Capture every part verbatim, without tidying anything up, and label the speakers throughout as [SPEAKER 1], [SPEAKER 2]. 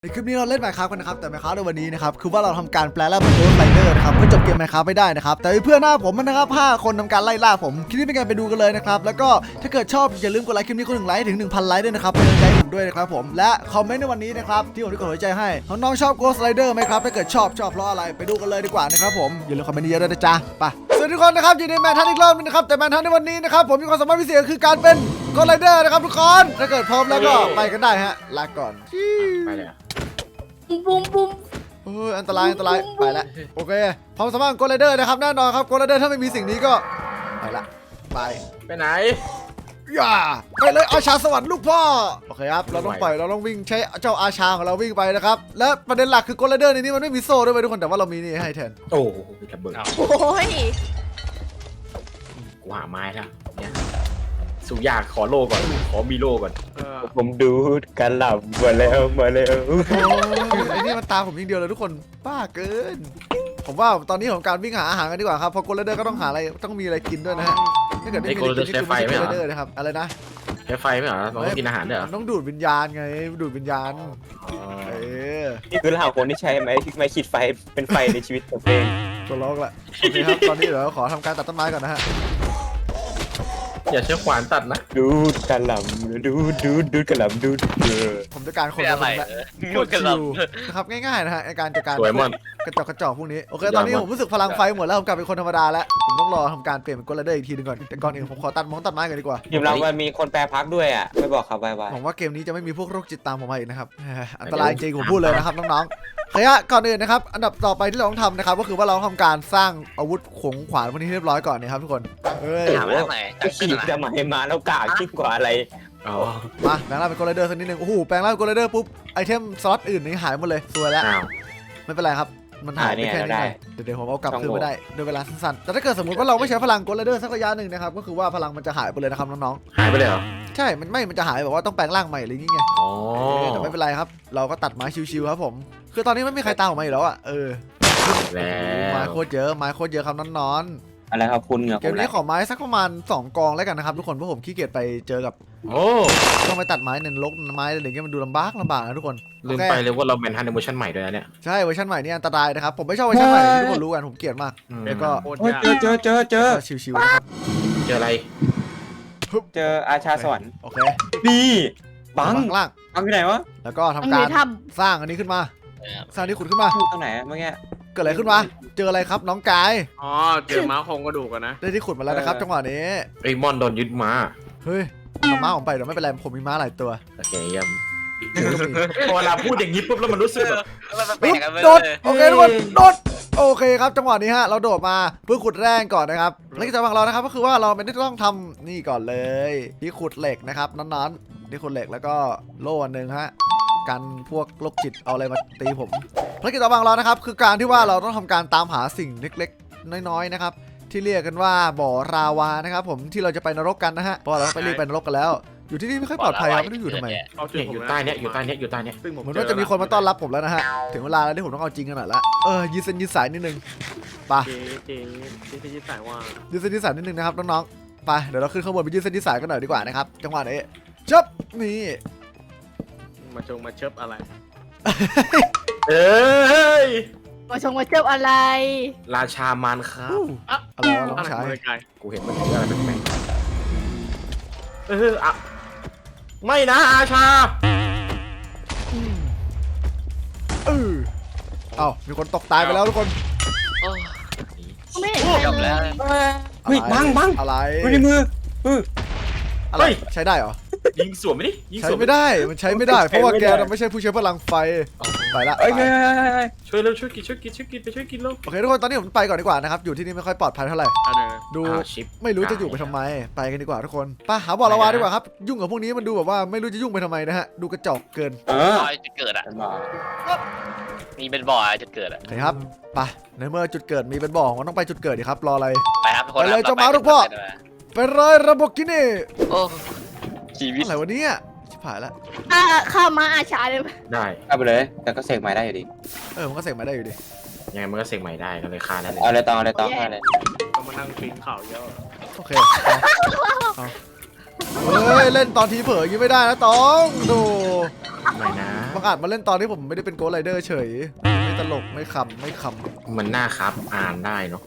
[SPEAKER 1] ในคลิปนี้เราเล่น Minecraft กันนะครับแต่ Minecraft ในวันนี้นะครับคือว่าเราทำการแปลร่างเป็น Ghost Rider นะครับเพื่อจบเกม Minecraft ไม่ได้นะครับแต่เพื่อนหน้าผมนะครับห้าคนทำการไล่ล่าผมคลิปนี้เป็นการไปดูกันเลยนะครับแล้วก็ถ้าเกิดชอบอย่าลืมกดไลค์คลิปนี้คนหนึ่งไลค์ถึง หนึ่งพัน ไลค์ด้วยนะครับเป็นกำลังใจให้ผมด้วยนะครับผมและคอมเมนต์ในวันนี้นะครับที่ผมได้กดหัวใจให้น้องๆชอบ Ghost Rider ไหมครับถ้าเกิดชอบชอบเพราะอะไรไปดูกันเลยดีกว่านะครับผมอย่าลืมคอมเมนต์เยอะด้วยนะจ๊ะไปสวัสดีทุกคนนะครับอยู่ในแมนทันอีกรอบนึงนะครับแต่แมนทันในวันนี้นะครับผมมีความสามารถพิเศษคือการเป็น Ghost Rider นะครับทุกคนถ้าเกิดพร้อมแล้วก็ไปกันได้ฮะลาก่อน
[SPEAKER 2] ไปเลย
[SPEAKER 3] บุ้มบุ้ม
[SPEAKER 1] เอออันตรายอันตรายไปแล้วโอเคความสามารถของโกลเดอร์นะครับแน่นอนครับโกลเดอร์ถ้าไม่มีสิ่งนี้ก็ไปละไป
[SPEAKER 2] ไปไหน
[SPEAKER 1] อย่าไปเลยอาชาสวรรค์ลูกพ่อโอเคครับเราต้องปล่อยเราต้องวิ่งใช้เจ้าอาชาของเราวิ่งไปนะครับและประเด็นหลักคือโกลเดอร์ในนี้มันไม่มีโซ่ด้วยทุกคนแต่ว่าเรามีนี่ให้แทน
[SPEAKER 2] โอ้โหระเบิด
[SPEAKER 3] โอ้ย
[SPEAKER 2] กูหาไม้แล้วเนี่ยสุอยากขอโลก่อนขอมีโลก่อน
[SPEAKER 4] ผมดูดกันหลับมาแล้วมาแล้ว
[SPEAKER 1] ไอ้นี่มันตามผมยิงเดียวเลยทุกคนบ้าเกินผมว่าตอนนี้ของการวิ่งหาอาหารกันดีกว่าครับเพราะโกลเดอร์ก็ต้องหาอะไรต้องมีอะไรกินด้วยนะฮะถ้าเกิดไม่มีอะไรกินนี่คือไม่ใช่โกลเดอร์นะครับอะไรนะ
[SPEAKER 2] ใช้ไฟไหมเหรอเราต้องกินอาหารด้วยเหรอ
[SPEAKER 1] ต้องดูดวิญญาณไงดูดวิญญาณเออ
[SPEAKER 4] นี่คือเหล่าคนที่ใช้ไม้ไม้ขีดไฟเป็นไฟในชีวิตตัวเอง
[SPEAKER 1] ตัวล็อกละโอเคครับตอนนี้เดี๋ยวขอทำการตัดต้นไม้ก่อนนะฮะ
[SPEAKER 2] อย่าใช้ขวานตัดนะ
[SPEAKER 4] ดูดกันหลับดูดดูดดูดกันหลับดูดเออ
[SPEAKER 1] ผมจะการคนละคนละโคตรชิวนะครับง่ายๆนะฮะในการจัดการ
[SPEAKER 2] สวยมอน
[SPEAKER 1] กระจอกกระจอกพวกนี้โอเคตอนนี้ผมรู้สึกพลังไฟหมดแล้วผมกลายเป็นคนธรรมดาแล้วผมต้องรอทำการเปลี่ยนเป็นโกลเดอร์อีกทีนึงก่อนแต่ก่อนอื่นผมขอตัดมองตัดไม้ก่อนดีกว่า
[SPEAKER 4] ยอมรับว่ามีคนแปรพักด้วยอ่ะไม่บอกครับไว้ไว้
[SPEAKER 1] ผมว่าเกมนี้จะไม่มีพวกโรคจิตตามผมมาอีกนะครับอันตรายจริงผมพูดเลยนะครับน้องๆเฮ้ยก่อนอื่นนะครับอันดับต่อไปที่เราต้องทำนะครับก็คือว่าเราทำการสร้างอาวุธขงขวานพวกนี้เรียบร้อยก่อนนะครับทุกคนเฮ้ย
[SPEAKER 3] ถามว่าทำไม
[SPEAKER 4] จะขีดจะหมายมาแล้วกากยิ่งกว่าอะไร
[SPEAKER 2] อ๋อ
[SPEAKER 1] มาแปลงร่างเป็นโกลเดอร์สักนิดนึงโอ้โหแปลงร่างเป็นโกลเดอร์ปุ๊บไอเทมสล็อตอื่นนี่หายหมดเลยสวยแล้ว
[SPEAKER 2] อ้าว
[SPEAKER 1] ไม่เป็นไรครับมันหายไปแค่นี้เองเดี๋ยวผมเอากลับคืนมาได้โดยเวลาสั้นๆแต่ถ้าเกิดสมมติว่าเราไม่ใช้พลังโกลเดอร์สักระยะหนึ่งนะครับก็คือว่าพลังมันจะหายไปเลยนะครับน้อง
[SPEAKER 2] หายไปเลยเหรอ
[SPEAKER 1] ๆใช่มันไม่มันจะหายแบบว่าต้องแปลงร่างใหม่อะไรอย่างเงี้ย
[SPEAKER 2] อ๋อ
[SPEAKER 1] แต่ไม่เป็นไรครับเราก็ตัดไม้ชิวๆครับผมคือตอนนี้ไม่มีใครตามออกมาอีกแล้วอ่ะเออ
[SPEAKER 2] แล้
[SPEAKER 1] ไม้
[SPEAKER 2] ว
[SPEAKER 1] โคตรเยอะไม้โคตรเยอะครับน้อน
[SPEAKER 4] อะไรครับคุณเหงื่อ
[SPEAKER 1] ๆเกมนี้ขอไม้สักประมาณสองกองแล้วกันนะครับทุกคนเพราะผมขี้เกียจไปเจอกับ
[SPEAKER 2] โอ้
[SPEAKER 1] ต้องไปตัดไม้ในรกไม้อะไรอย่างเงี้ยมันดูลำบากลำบากนะทุกคน
[SPEAKER 2] ลืมไปเลยว่าเราแมนทันในเวอร์ชันใหม่ด้วยนะเนี่ย
[SPEAKER 1] ใช่เวอร์ชันใหม่นี่อันตรายนะครับผมไม่ชอบเวอร์ชันใหม่ที่ทุกคนรู้กันผมเกลียดมาก
[SPEAKER 2] อืม
[SPEAKER 1] แล้วก็
[SPEAKER 4] เจอเจอเจอเจอ
[SPEAKER 1] ก็ชิวๆนะครับ
[SPEAKER 2] เจออะไร
[SPEAKER 4] เจออาชาสวรรค์
[SPEAKER 1] โอเค
[SPEAKER 4] นี่บัง
[SPEAKER 1] ข้างล่าง
[SPEAKER 4] บังที่ไหนวะ
[SPEAKER 1] แล้วก็ทำ
[SPEAKER 3] มันอ
[SPEAKER 1] การ
[SPEAKER 3] ยู่ในถ้
[SPEAKER 1] สร้างอันนี้ขึ้นมาสร้างที่ขุดขึ้นมา
[SPEAKER 4] อยู่ตรงไหนเมื่อกี้
[SPEAKER 1] เกิดอะไรขึ้นมาเจออะไรครับน้องกาย
[SPEAKER 5] อ๋อเจอม้าโครงกระดูกอะนะ
[SPEAKER 1] ได้ที่ขุดมาแล้วนะครับจังหวะนี้
[SPEAKER 2] ไอ้มอนโดนยึดมา
[SPEAKER 1] เฮ้ยเอาม้าผมไปเดี๋ยวไม่เป็นไรผมมีม้าหลายตัว
[SPEAKER 2] โอเคเยี่ยมพอเวลาพูดอย่างนี้ปุ๊บแล้วมันรู้สึกแบบ
[SPEAKER 1] ปึ๊บโดดโอเคทุกคนโดดโอเคครับจังหวะนี้ฮะเราโดดมาเพื่อขุดแร่ก่อนนะครับและกิจกรรมของเรานะครับก็คือว่าเราไม่ได้ต้องทำนี่ก่อนเลยที่ขุดเหล็กนะครับนั้นๆที่ขุดเหล็กแล้วก็โล่อันหนึ่งฮะกันพวกโรคจิตเอาอะไรมาตีผมภารกิจต่อไปของเรานะครับคือการที่ว่าเราต้องทำการตามหาสิ่งเล็กๆน้อยๆนะครับที่เรียกกันว่าบ่อราวานะครับผมที่เราจะไปนรกกันนะฮะเพราะเราต้องไปรีบไปนรกกันแล้ว อยู่ที่นี่ไม่ค่อยปลอดภัยครับไม่รู้อยู่ทำไม
[SPEAKER 5] เอาจุด
[SPEAKER 2] เนี่ย
[SPEAKER 5] ผม
[SPEAKER 2] อยู่
[SPEAKER 5] นะ
[SPEAKER 2] ใต้เนี้ยอยู่ใต้เนี้ยอยู่ใต้เนี้ย
[SPEAKER 5] ซึ่งผม
[SPEAKER 1] เหมือนว่าจะมีคนมาต้อนรับผมแล้วนะฮะถึงเวลาแล้วที่ผมต้องเอาจริงกันหน่อยละเออยืดเส้นยืดสายนิดนึงไป
[SPEAKER 5] เจ๊เจ๊เจ๊ที่สายว่า
[SPEAKER 1] ยืดเส้นยืดสายนิดนึงนะครับน้องๆไปเดี๋ยวเราขึ้นข้างบนไปยืดเส้นยืดสายกันหน่อยดีกว่านะครับจังหวะนี้จับนี่
[SPEAKER 5] มาชงมาเชิบอะไร
[SPEAKER 2] เอ้ย
[SPEAKER 3] ำมาชงมาเจ็บอะไร
[SPEAKER 2] ราชามานครับ
[SPEAKER 1] อะไรวะน้องชาย
[SPEAKER 5] อะไรไกล
[SPEAKER 2] กูเห็นมันถืออะไรแปลกๆเอออะไม่นะอาชา
[SPEAKER 1] เออเอ้ามีคนตกตายไปแล้วทุกคน
[SPEAKER 3] ไม่เห็นใครเลย
[SPEAKER 4] เฮ้ยบังบัง
[SPEAKER 1] อะไร
[SPEAKER 4] อยู่ในมือเออ
[SPEAKER 1] อะไรใช้ได้เหรอ
[SPEAKER 2] ยิงสวนไหมนี่ยิง
[SPEAKER 1] ใช้
[SPEAKER 2] สวน
[SPEAKER 1] ไม่ได้มันใช้ไม่ได้เพราะว่าแกน่ะไม่ใช่ผู้ใช้พลังไฟไปละ
[SPEAKER 4] เอ้ยเฮ้ยเฮ้ยเฮ้ย
[SPEAKER 2] ช่วยเร็วช่วยกินช่วยกินช่วยกินไปช่วยกินเร็ว
[SPEAKER 1] โอเคทุกคนตอนนี้ผมไปก่อนดีกว่านะครับอยู่ที่นี่ไม่ค่อยปลอดภัยเท่าไหร่
[SPEAKER 5] เอาเดี๋ยว
[SPEAKER 1] ดู
[SPEAKER 2] อ่าชิป
[SPEAKER 1] ไม่รู้จะอยู่ไปทำไมไปกันดีกว่าทุกคนไปหาบ่อละวาดีกว่าครับยุ่งกับพวกนี้มันดูแบบว่าไม่รู้จะยุ่งไปทำไมนะฮะดูกระจอกเกิน
[SPEAKER 4] เออ
[SPEAKER 6] บ่อจุดเกิดอ่ะ
[SPEAKER 4] เป็นบ่อ
[SPEAKER 6] มีเป็นบ่อจุดเกิดอ่ะ
[SPEAKER 1] โอเคครับไปในเมื่อจุดเกิดมีเป็นบ่อผมต้องไปจุดเกิดดิครับรออะไร
[SPEAKER 6] ไปครับทุกคน
[SPEAKER 1] ไปเลย
[SPEAKER 6] ครับ
[SPEAKER 1] เจ้าม้าลูกพ่อ ไปเลยระบบกินี่
[SPEAKER 6] โอ้ชีวิต
[SPEAKER 1] อะไรวะเนี่ยชิบหายแล้ว
[SPEAKER 3] อ่าข้าวมาอาชาเลย
[SPEAKER 2] ได้
[SPEAKER 4] เอาไปเลยแต่ก็เสกใหม่ได้อยู่ดี
[SPEAKER 1] เออมันก็เสกมาได้อยู่ดิ
[SPEAKER 2] ยังไงมันก็เสกใหม่ได้ก็เลยคานั่นเลย
[SPEAKER 4] เอาอะไรต่อเอาอะไรต่อเอาอะไร
[SPEAKER 5] เอามานั่งปีนเขาเยอะ
[SPEAKER 1] โอเคเอาเอาเฮ้ยเล่นตอนทีเผลออย่างนี้ไม่ได้นะต้องดู
[SPEAKER 2] ไม่นะ
[SPEAKER 1] บางอาจมาเล่นตอนที่ผมไม่ได้เป็นโกลไรเดอร์เฉยไม่ตลกไม่ขำไม่ขำ
[SPEAKER 2] มันน่าครับอ่านได้เนาะ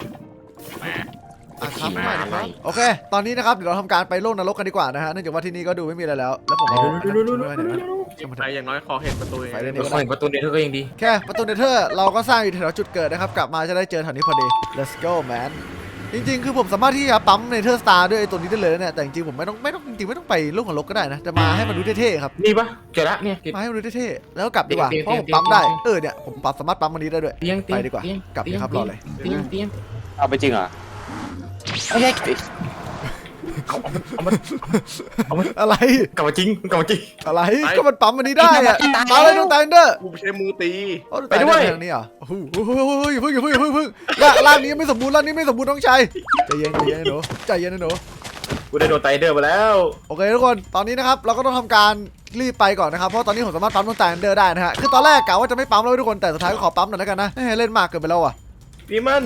[SPEAKER 1] อ่ะครับ
[SPEAKER 2] ขี่ม้า
[SPEAKER 1] ไม่นะค
[SPEAKER 2] อะไร
[SPEAKER 1] รับโอเค ตอนนี้นะครับเดี๋ยวเราทำการไปโลกนรกกันดีกว่านะฮะเนื่องจากว่าที่นี่ก็ดูไม่มีอะไรแล้ว แล้วผมเอาอันนั้นไว้ไหนวะ
[SPEAKER 5] ไปอย่างน้อยขอเห็นประตูเอง
[SPEAKER 1] ไปเล่น
[SPEAKER 2] เดี๋ยวคอยประตูเดียวก็ยังดี
[SPEAKER 1] แค่ประตูเนเธอร์เราก็สร้างอยู่แถวจุดเกิดนะครับกลับมาจะได้เจอแถวนี้พอดี let's go man จริงๆคือผมสามารถที่จะปั๊มเนเธอร์สตาร์ด้วยไอ้ตัวนี้ได้เลยนะเนี่ยแต่จริงๆผมไม่ต้องไม่ต้องจริงๆไม่ต้องไปโลกนรกก็ได้นะแต่มาให้มันดูเท่ๆครับ
[SPEAKER 2] นี่ปะเจอละเนี่ย
[SPEAKER 1] มาให้มันดูเท่ๆแล้วก็กลับดีกว่า
[SPEAKER 2] เตียง
[SPEAKER 1] เพราะผม
[SPEAKER 2] เตียง
[SPEAKER 1] ปั๊มได้
[SPEAKER 2] เตียง
[SPEAKER 1] เออเนี่ยผมปั๊มสามารถปั๊มมันนี้ได้ด้วย
[SPEAKER 2] เตียงเตียง
[SPEAKER 1] ไปดีกว่า
[SPEAKER 2] เตียง
[SPEAKER 1] กลับดีครับรอเลย
[SPEAKER 2] เตียงเตียง
[SPEAKER 4] เอาไปจริงเหรอไม่ใช่
[SPEAKER 2] เอาเอามาเอามา
[SPEAKER 1] อะไร
[SPEAKER 2] กลับมาจริงกลับมาจริง
[SPEAKER 1] อะไรก็มันปั๊มมันนี้ได้อะมาเลยดวงตาเดอร์
[SPEAKER 5] กูใช้มือตี
[SPEAKER 2] ไปด้วย
[SPEAKER 1] ทางนี้เหรอโอ้โหอย่าเพิ่งอย่าเพิ่งอย่าเพิ่งอย่าเพิ่งร่างร่างนี้ยังไม่สมบูรณ์ร่างนี้ไม่สมบูรณ์น้องชายใจเย็นใจเย็นนะหนูใจเย็นนะหนู
[SPEAKER 2] กูได้โดนไตเดอร์มาแล้ว
[SPEAKER 1] โอเคทุกคนตอนนี้นะครับเราก็ต้องทำการรีบไปก่อนนะครับเพราะตอนนี้ผมสามารถปั๊มดวงตาเดอร์ได้นะฮะคือตอนแรกกะว่าจะไม่ปั๊มแล้วทุกคนแต่สุดท้ายก็ขอปั๊มหน่อยแล้วกันนะเฮ้ยเล่นมากเกินไปแล้วอ่ะ
[SPEAKER 2] พี่มัน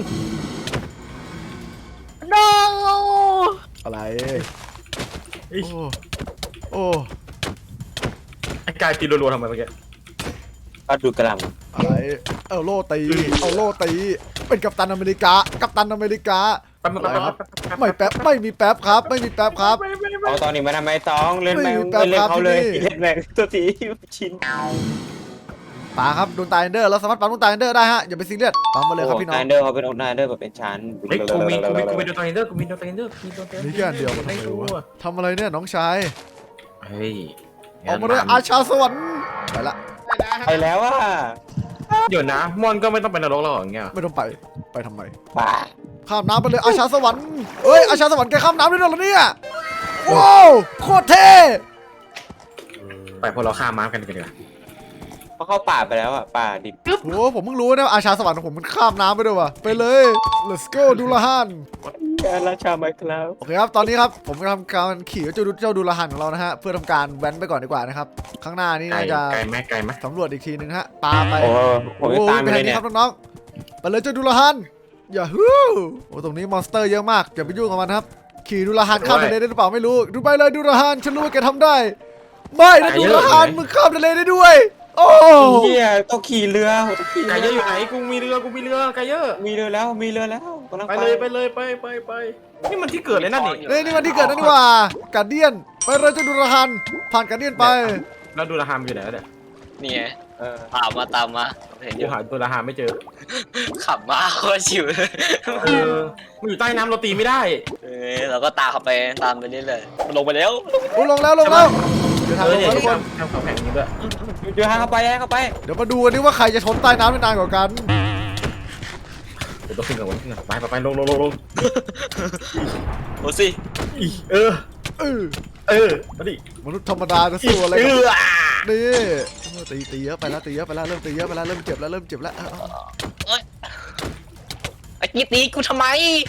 [SPEAKER 3] โน
[SPEAKER 1] อะไร
[SPEAKER 2] เอ้ย
[SPEAKER 1] โอ้โอ้
[SPEAKER 2] ไอ้กายตีรัวๆทำไมเมื่อกี้
[SPEAKER 4] ก็ดูกระหล
[SPEAKER 1] อะไรเอาโล่ตีเอาโล่ตีเป็นกัปตันอเมริกากัปตันอเมริกา
[SPEAKER 2] แป๊บแป๊บแป๊บแป๊บ
[SPEAKER 1] ไม่แป๊บไม่มีแป๊บครับ ไม่มีแป๊บครับ
[SPEAKER 4] ำเอาตอนนี้มาทำไมต้องเล่นแมง
[SPEAKER 1] ไม่มีแป๊บ
[SPEAKER 4] เล่น
[SPEAKER 1] ครับ
[SPEAKER 4] เขาเลย
[SPEAKER 1] ที่นี่
[SPEAKER 4] เล่นแมงตัวสีชิ้น
[SPEAKER 1] ป่าครับดวงตาเอนเดอร์เราสามารถปั๊มดวงตาเอนเดอร์ได้ฮะอย่าไปซีเรียสปั๊มมาเลยครับพี่น้อง
[SPEAKER 4] นายเดอร์เขาเป็นองค์นายเดอร์แบบเป็นชั้น
[SPEAKER 2] เฮ้ยกูมีกูมีกูมีโดนไตเดอร์กูมีโดนไตเดอร์กูมีโดนไตเดอร์
[SPEAKER 1] นี่แค่อันเดียวมันทำไมวะทำอะไรเนี่ยน้องชาย
[SPEAKER 2] เฮ้ย
[SPEAKER 1] ออกมาเลยอาชาสวรรค์ไปละ
[SPEAKER 4] ไปแล้วอ่ะ
[SPEAKER 2] เดี๋ยวนะมอนก็ไม่ต้องเป็นนรกแล้วเหรออย่างเงี้ย
[SPEAKER 1] ไม่ต้องไปไปทำไม
[SPEAKER 4] ป่า
[SPEAKER 1] ข้ามน้ำไปเลยอาชาสวรรค์เอ้ยอาชาสวรรค์แกข้ามน้ำได้ด้วยเหรอเนี่ยว้าวโคตรเท่
[SPEAKER 2] ไปพวกเราฆ่าม้ากันกันดีกว่า
[SPEAKER 4] เขาเข้าป่าไปแล้วอ่ะป่าดิบ
[SPEAKER 1] โหผมเพิ่งรู้นะว่าอาชาสวรรค์ของผมมันข้ามน้ำไปด้วยว่ะไปเลย let's go ดูละฮัน
[SPEAKER 4] ราชาไมคลาว
[SPEAKER 1] โอเคครับ ตอนนี้ครับ ผมกำลังการขี่เจ้าดูเจ้าดูละหันของเรานะฮะ เพื่อทำการแว้นไปก่อนดีกว่านะครับ ข้างหน้านี่
[SPEAKER 2] ไกล
[SPEAKER 1] น่าจะ
[SPEAKER 2] ไกลไหมไกลไหม
[SPEAKER 1] สำรวจอีกทีนึงฮะ ปาไป
[SPEAKER 4] โอ้ผมจะตามไป
[SPEAKER 1] ไป
[SPEAKER 4] เล
[SPEAKER 1] ทาย งนี้
[SPEAKER 4] เนี่ย
[SPEAKER 1] ครับน้องๆไปเลยเจ้าดูละหันอย่าฮู้โอ้ตรงนี้มอนสเตอร์เยอะมากอย่าไปยุ่งกับมันครับ ขี่ดูละหันข้ามทะเลได้หรือเปล่าไม่รู้ ดูไปเลยดูละหันฉันรู้ว่าแกทำได้ ไม่นะดูละหันมึงข้ามทะเลได้ด้วย โอ้
[SPEAKER 4] เฮียต้องขี่เรือต้องขี่
[SPEAKER 2] ไกลเยอะอยู่ไหนกูมีเรือกูมีเรือไกลเยอะ
[SPEAKER 4] มีเรือแล้วมีเรือแล้วกำลัง
[SPEAKER 2] ไปเลยไปเลยไปไปไปนี่มันที่เกิดเลยนั่นนี่
[SPEAKER 1] เฮ้ยนี่มันที่เกิดนั่นนี่หว่าการเดียนไปเลยเจ้าดูละหันผ่านการเดียนไป
[SPEAKER 2] แล้วดูราฮามอยู่ไหนแล้วเนี่ย
[SPEAKER 6] นี่ไง
[SPEAKER 4] เออ
[SPEAKER 6] ตามมาตามมาเห็นอ
[SPEAKER 2] กู
[SPEAKER 6] ยู่
[SPEAKER 2] หาตัวราฮามไม่เจอ
[SPEAKER 6] ขับมาโคตรชิวเลย
[SPEAKER 2] เออมันอยู่ใต้น้ำเราตีไม่ได้
[SPEAKER 6] เออเราก็ตามเขาไปตามไปเรื่อยๆมันลงไปแล้ว
[SPEAKER 1] โอ้ลงแล้วลงแล้วเดี๋ยวทาง
[SPEAKER 2] เอ
[SPEAKER 1] ล
[SPEAKER 2] อง เนี่ย
[SPEAKER 1] แล้วทุกคน
[SPEAKER 2] ทำเขาแข่งนี้ด้วย
[SPEAKER 4] เดี๋ยวหาเข้าไปให้เข้าไป
[SPEAKER 1] เดี๋ยวมาดูกันดิว่าใครจะชนใต้น้ำได้นานกว่ากัน
[SPEAKER 2] เดี๋ยวต้องขึ้นกับวันขึ้นกับไปไปไปลงลงลงลง
[SPEAKER 6] โอ้สิ
[SPEAKER 2] อีเออ
[SPEAKER 1] เออ
[SPEAKER 2] เออมาดิ
[SPEAKER 1] มนุษย์ธรรมดาจะสู้อะไร
[SPEAKER 2] เอ
[SPEAKER 1] กับ
[SPEAKER 2] อ
[SPEAKER 1] นี่เออตีตีเยอะไปแล้วตีเยอะไปแล้วเริ่มตีเยอะไปแล้วเริ่มเจ็บแล้วเริ่มเจ็บแล้วเอาเอา
[SPEAKER 6] ไอ้กี้ตีกูทำไม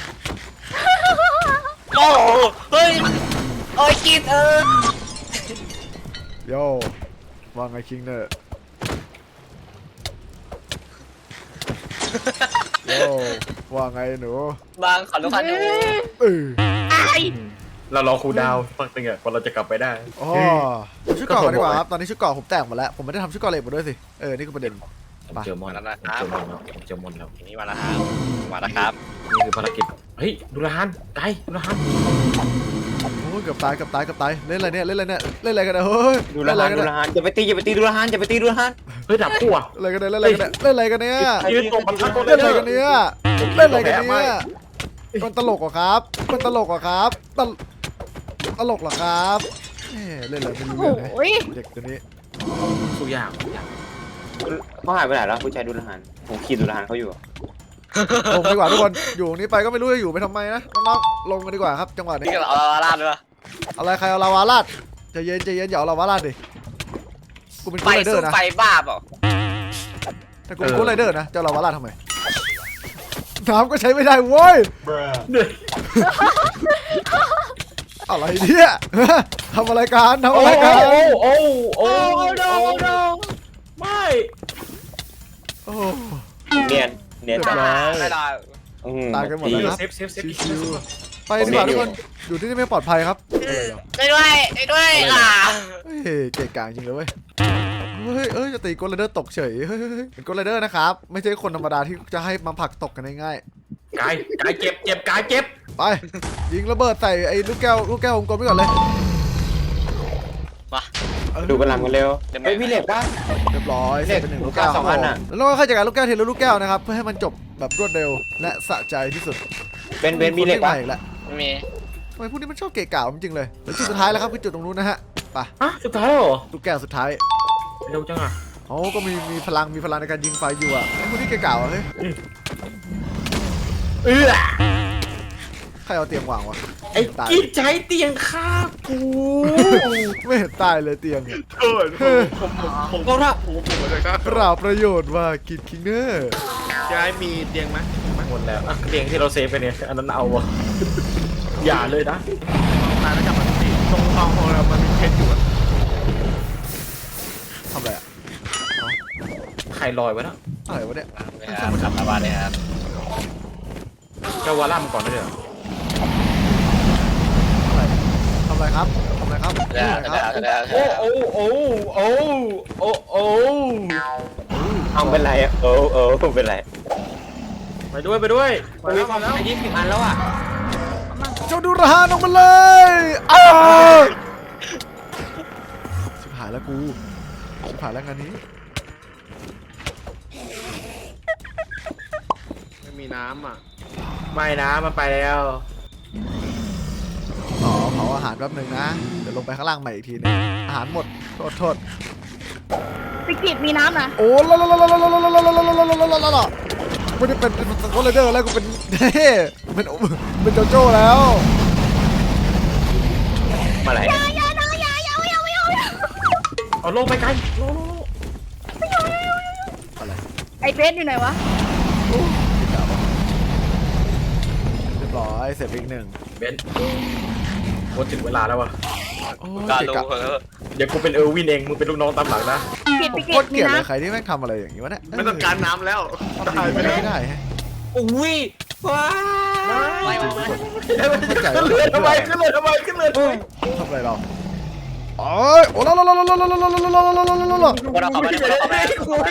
[SPEAKER 6] โอ้เฮ้ยโอ้ยกีดเออ
[SPEAKER 1] โยว่าไงคิงเนอร์โยว่าไงหนู
[SPEAKER 6] บางขอลูกค้าดู
[SPEAKER 1] เออ
[SPEAKER 2] เรารอครูดาวสักตึงอ่ะกว่าเราจะกลับไปได้
[SPEAKER 1] อ๋อผมชุดเกราะกันดีกว่าครับตอนนี้ชุดเกราะผมแตกหมดแล้วผมไม่ได้ทำชุดเกราะเหล็กมาด้วยสิเออนี่คือประเด็น
[SPEAKER 2] ผมเจอมอนแล้วผมเจอมอนแล้วผมเจอมอนแล้ว
[SPEAKER 6] ทีนี้มาแล้วครับมาแล้วครับ
[SPEAKER 2] นี่คือภารกิจเฮ้ยดูราฮันไกลดูราฮัน
[SPEAKER 1] โอ้ยเกือบตายเกือบตายเกือบตายเล่นอะไรเนี่ยเล่นอะไรเนี่ยเล่นอะไรกันเนี่ยเฮ้ย
[SPEAKER 4] ดู
[SPEAKER 1] เล่
[SPEAKER 4] ละ
[SPEAKER 1] นอะไร
[SPEAKER 4] หัน
[SPEAKER 1] กัน
[SPEAKER 4] ดู
[SPEAKER 1] เนี่ย
[SPEAKER 4] ละหันอย่าไปตีอย่าไปตีดูละหันอย่าไปตีดูละหัน
[SPEAKER 2] เฮ้ยดับคู่อ่ะ
[SPEAKER 1] เล่นอะไรกันเนี่ยเล่นอะไรกันเนี่ยเล่นอะไรกันเนี่ย
[SPEAKER 2] ยืนตรงประทัดตัว
[SPEAKER 1] เล่นอะไรกันเนี่ยเล่นอะไรกันเนี่ยมันตลกเหรอครับมันตลกเหรอครับตลตลกเหรอครับเอ้เล่นอะไรไม่รู้
[SPEAKER 3] โอ้
[SPEAKER 1] เรื่องเลย
[SPEAKER 3] โหย
[SPEAKER 1] เด็กตัวนี้
[SPEAKER 2] สู้ยาก
[SPEAKER 4] เขาหายไปไหนแล้วผู้ชายดูละหันผมขี่ดูละหันเขาอยู่
[SPEAKER 1] ลงดีกว่าทุกคนอยู่ตรงนี้ไปก็ไม่รู้จะอยู่ไปทำไมนะน้องๆลงกันดีกว่าครับจังหวะนี้
[SPEAKER 6] นี่ก็เอาลาลาดด้วย
[SPEAKER 1] อะไรใครเอาลาวาลาดใจเย็นใจเย็นอย่าเอาลาวาลาดดิกูเป็น
[SPEAKER 6] ไฟ
[SPEAKER 1] กูไรเดอ
[SPEAKER 6] สู้
[SPEAKER 1] ร์นะ
[SPEAKER 6] ไฟบ้าเปล่า
[SPEAKER 1] แต่กูเป็นกูไรเดอร์นะจะเอาลาวาลาดทำไมน้ำก็ใช้ไม่ได้เว้ย
[SPEAKER 2] เหนื่อย
[SPEAKER 1] อะไรเนี่ย ทำอะไรกันทำ
[SPEAKER 2] โอ้
[SPEAKER 1] อะไรกัน
[SPEAKER 2] โอ้โอ้โอ้
[SPEAKER 3] โอ้โนโอ้โน
[SPEAKER 2] ไม่
[SPEAKER 1] โอ้
[SPEAKER 4] เนียนเนียน
[SPEAKER 1] เรียบร้อย
[SPEAKER 6] ไม่ได้
[SPEAKER 4] อืม
[SPEAKER 1] ตายกันหมด
[SPEAKER 4] ดี
[SPEAKER 1] แล้วครับ
[SPEAKER 2] เซฟเซฟเซฟ
[SPEAKER 1] ชิวไปดีกว่าทุกคนอยู่ที่นี่ไม่ปลอดภัยครับ
[SPEAKER 6] ช่วยด้วยช่วยด้วยอ่ะ
[SPEAKER 1] เฮ้ยเก่งกาจจริงเลยเว้ยเฮ้ยเอ้ยจะตีโกลไรเดอร์ตกเฉยเฮ้ยเป็นโกลไรเดอร์นะครับไม่ใช่คนธรรมดาที่จะให้มาผลักตกกันง่าย
[SPEAKER 2] กายกายเจ็บเจ็บกายเจ็บ
[SPEAKER 1] ๆไปยิงระเบิดใส่ไอ้ลูกแก้วลูกแก้ววงกลมไปก่อนเลย
[SPEAKER 6] มา
[SPEAKER 4] ดูพลังกันเร็วเฮ้ยพี่เหล็กปะ
[SPEAKER 1] เรียบร้อย
[SPEAKER 4] เนี่ย
[SPEAKER 1] เป็นหนึ่ง
[SPEAKER 4] ลู
[SPEAKER 1] ลู
[SPEAKER 4] ก
[SPEAKER 1] กแก้ว
[SPEAKER 4] แก้วสองอันน่ะ
[SPEAKER 1] แล้วเราก็ค่อยจัดการลูกแก้วทีละลูกแก้วนะครับเพื่อให้มันจบแบบรวดเร็วและสะใจที่สุด
[SPEAKER 4] เป็นเป็นมีเหล็ก
[SPEAKER 1] ป
[SPEAKER 4] ปะ
[SPEAKER 1] อีกแล้ว
[SPEAKER 6] ไม่มี
[SPEAKER 1] ทำไมพวกนี้มันชอบเกะกะจริงๆเลยแล้วจุดสุดท้ายแล้วครับคือจุดตรงนู้นนะฮะไป
[SPEAKER 2] ฮะสุดท้ายแล้วเหรอ
[SPEAKER 1] ลูกแก้วสุดท้าย
[SPEAKER 2] เร็วจังอ่ะ
[SPEAKER 1] เขาก็มีมีพลังมีพลังในการยิงไฟอยู่อ่ะไอ้พวกนี้เกะกะวะเฮ้ย
[SPEAKER 2] เออ
[SPEAKER 1] ใครเอาเตียงวางวะ
[SPEAKER 2] ไอ้
[SPEAKER 1] ตาย
[SPEAKER 2] กิดใช้เตียงฆ่ากู
[SPEAKER 1] ไม่เห็นตายเลยเตียงเนี่ย
[SPEAKER 5] เกิดผมผมผมผมผมผมเลยครับ
[SPEAKER 1] เปล่าประโยชน์ว่ากินคิงเนอร์
[SPEAKER 5] ยายมีเตียงไหม
[SPEAKER 2] หมดแล้วอ่ะเตียงที่เราเซฟไปเนี่ยอันนั้นเอาวะอย่าเลยนะ
[SPEAKER 5] ตายแล้วกลับมาที่ตรงห้องของเรามันมีเพชรอยู่อะ
[SPEAKER 1] ทำอะไรอ่ะ
[SPEAKER 2] ใครลอยไว้นะ
[SPEAKER 1] อะไรวะเนี่ย
[SPEAKER 6] ครับกลับมาบ้านเลยครับ
[SPEAKER 2] เจ้าวาล่ามก่อนได้เลย
[SPEAKER 1] อะไรทำอะไรครับทำอะไรครับ
[SPEAKER 6] ได้
[SPEAKER 1] ทำ
[SPEAKER 6] ได้
[SPEAKER 1] อะไรครับ
[SPEAKER 6] ได้
[SPEAKER 2] โอ้โอ้โอ้โอ้โอ้โอ้
[SPEAKER 4] เอาเป็นไรอะโอ้โอ้เป็นไร
[SPEAKER 2] ไปด้วยไปด้วย
[SPEAKER 5] ไปแล้วมาแล้ว
[SPEAKER 2] ไอ้ยี่สิบอันแล้วอ่ะ
[SPEAKER 1] เจ้าดูรหานออกมาเลยอ้าวชิบหายแล้วกูชิบหายแล้วงานนี้
[SPEAKER 5] ไม่มีน้ำอ่ะ
[SPEAKER 2] ไม่นะมันไปแล้ว
[SPEAKER 1] อ๋อเผาอาหารแป๊บหนึงนะเดี๋ยวลงไปข้างล่างใหม่อีกทีนึงอาหารหมดโทษโทษ
[SPEAKER 3] สกิดมีน้ำนะ
[SPEAKER 1] โอ้ละละละละละละละละละละละละละละละไม่ได้เป็นเป็นสกอตเลเดอร์แล้วกูเป็นเฮ้เป็นเป็นโจโจ้แล้ว
[SPEAKER 4] มาไหน
[SPEAKER 3] อย่าอย่าอย่าอย่าอย่าอย่าอย่า
[SPEAKER 2] เอาลงไปไกลลงลงลง
[SPEAKER 1] อะไร
[SPEAKER 3] ไอเบสอยู่ไหนวะ
[SPEAKER 1] เรียบร้อยเสร็จไปอีกหนึ่ง
[SPEAKER 2] เบนโคตรถึงเวลาแล้ววะ
[SPEAKER 1] โอ้ย
[SPEAKER 6] การ
[SPEAKER 1] เกะ
[SPEAKER 6] รู้
[SPEAKER 1] กะ
[SPEAKER 6] เออ
[SPEAKER 2] เดี๋ยวกูเป็นเออร์วินเองมึงเป็นลูกน้องตามหลังนะ
[SPEAKER 3] สกิดส
[SPEAKER 1] โค
[SPEAKER 3] กิด
[SPEAKER 1] ตร
[SPEAKER 3] มี
[SPEAKER 1] เกลียดเลย
[SPEAKER 3] น้ำ
[SPEAKER 1] ใครที่แม่งทำอะไรอย่างนี้วะเนี่ย
[SPEAKER 5] ไม่ต้องการน้ำแล้ว
[SPEAKER 1] ทำดีไม่ได้ไม่ได้ฮะ
[SPEAKER 6] อุ้ยว้าไม่ไม่ไม่
[SPEAKER 1] เข้าใจ
[SPEAKER 2] ขึ้น
[SPEAKER 1] ว่า
[SPEAKER 2] เรือทำไมขึ้นเรือทำไมขึ้นเรือทำไม
[SPEAKER 1] ทำอะไรเราโอ้ยโอ้ละละละละละละละละละละละละละ
[SPEAKER 6] คนเอาของไปเอาของไปเอาของไป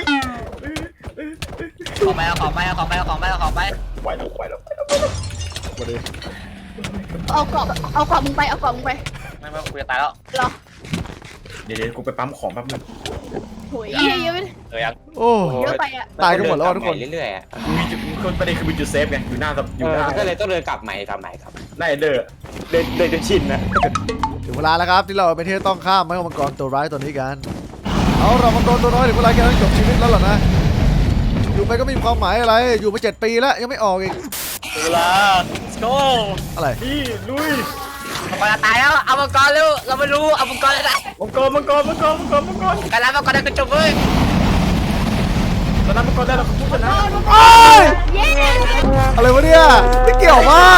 [SPEAKER 6] เอาของไปเอาของไปเอาของไปเอาของไป
[SPEAKER 2] ไหวแล้วไหวแล้ว
[SPEAKER 1] มาดิ
[SPEAKER 3] เอากรอบเอากรอบมึงไปเอากรอบมึงไป
[SPEAKER 6] ไม่ไม่กูจะตายแล้ว
[SPEAKER 3] เหรอ
[SPEAKER 2] เดี๋ยวเดี๋ยวกูไปปั๊มของแป๊บนึง
[SPEAKER 3] โหยเยอะเยอะไป
[SPEAKER 6] เออยัง
[SPEAKER 1] โอ้
[SPEAKER 3] เยอะไปอ่ะ
[SPEAKER 1] ตายกันหมดแล้วทุกคน
[SPEAKER 4] เรื่อยๆอะ
[SPEAKER 2] มีจุดคนประเด็นคือมีจุดเซฟไงอยู่หน้าอ
[SPEAKER 4] เอยู่ อ
[SPEAKER 2] หน้า
[SPEAKER 4] ก็เลยต้องเดินกลับใหม่กลับใหม่ครับ
[SPEAKER 2] หน้าเอเดอร์
[SPEAKER 4] เดินเดินจนชินนะ
[SPEAKER 1] ถึงเวลาแล้วครับที่เราเป็นที่ต้องข้ามไม้มังกรตัวร้ายตัวนี้กันเอาเรามังกรตัวน้อยถึงเวลาแกต้องจบชีวิตแล้วเหรอนะอยู่ไปก็ไม่มีความหมายอะไรอยู่มาเจ็ดปีแล้วยังไม่ออกอีก
[SPEAKER 6] เวลา let's go
[SPEAKER 1] อะไร
[SPEAKER 2] นี่ลุย
[SPEAKER 6] มังกรจะตายแล้วเอามังกรเร็วเราไม่รู้เอามังกรเลยนะ
[SPEAKER 2] มังกรมังกรมังกรมังกรมังกร
[SPEAKER 6] การรับมังกรได้ก็จบเลย
[SPEAKER 2] ตอนนั้นมังกรได้เราพูดชนะ
[SPEAKER 1] โอ้ย
[SPEAKER 3] เย้
[SPEAKER 1] อะไรวะเนี่ยไม่เกี่ยวมา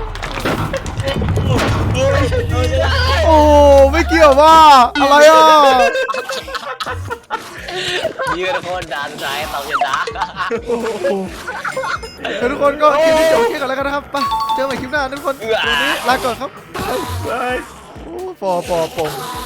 [SPEAKER 1] โอ้ไม่เกี่ยวว่าอะไรอ่ะ
[SPEAKER 6] ยืนคนด่านซ้ายต่อยันด่า
[SPEAKER 1] โอ้โหเดี๋ยวทุกคนก็คลิปนี้จบแค่กันแล้วกันนะครับไปเจอกันใหม่คลิปหน้าทุกคนวันนี้ลาก่อนครับ
[SPEAKER 2] เฮ้ย
[SPEAKER 1] โอ้ปอปอปง